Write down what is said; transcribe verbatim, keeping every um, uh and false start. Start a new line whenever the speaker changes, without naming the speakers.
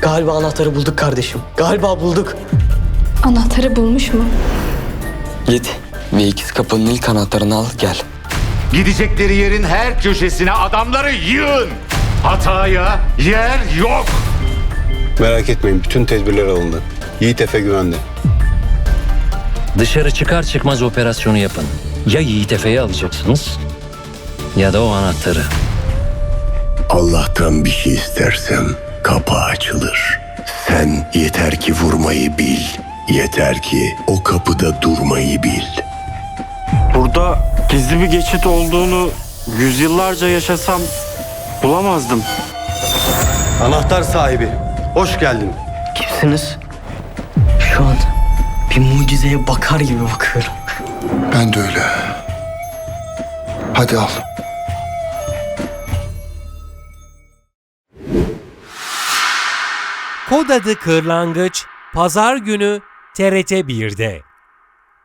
Galiba anahtarı bulduk kardeşim. Galiba bulduk.
Anahtarı bulmuş mu?
Git ve ikiz kapının ilk anahtarını al gel.
Gidecekleri yerin her köşesine adamları yığın. Hataya yer yok.
Merak etmeyin, bütün tedbirler alındı. Yiğit Efe güvende.
Dışarı çıkar çıkmaz operasyonu yapın. Ya Yiğit Efe'yi alacaksınız ya da o anahtarı.
Allah'tan bir şey istersem kapı açılır. Sen yeter ki vurmayı bil. Yeter ki o kapıda durmayı bil.
Burada gizli bir geçit olduğunu yüzyıllarca yaşasam bulamazdım.
Anahtar sahibi, hoş geldin.
Kimsiniz? Şu an bir mucizeye bakar gibi bakıyorum.
Ben de öyle. Hadi al.
Kod Adı Kırlangıç Pazar günü T R T bir'de.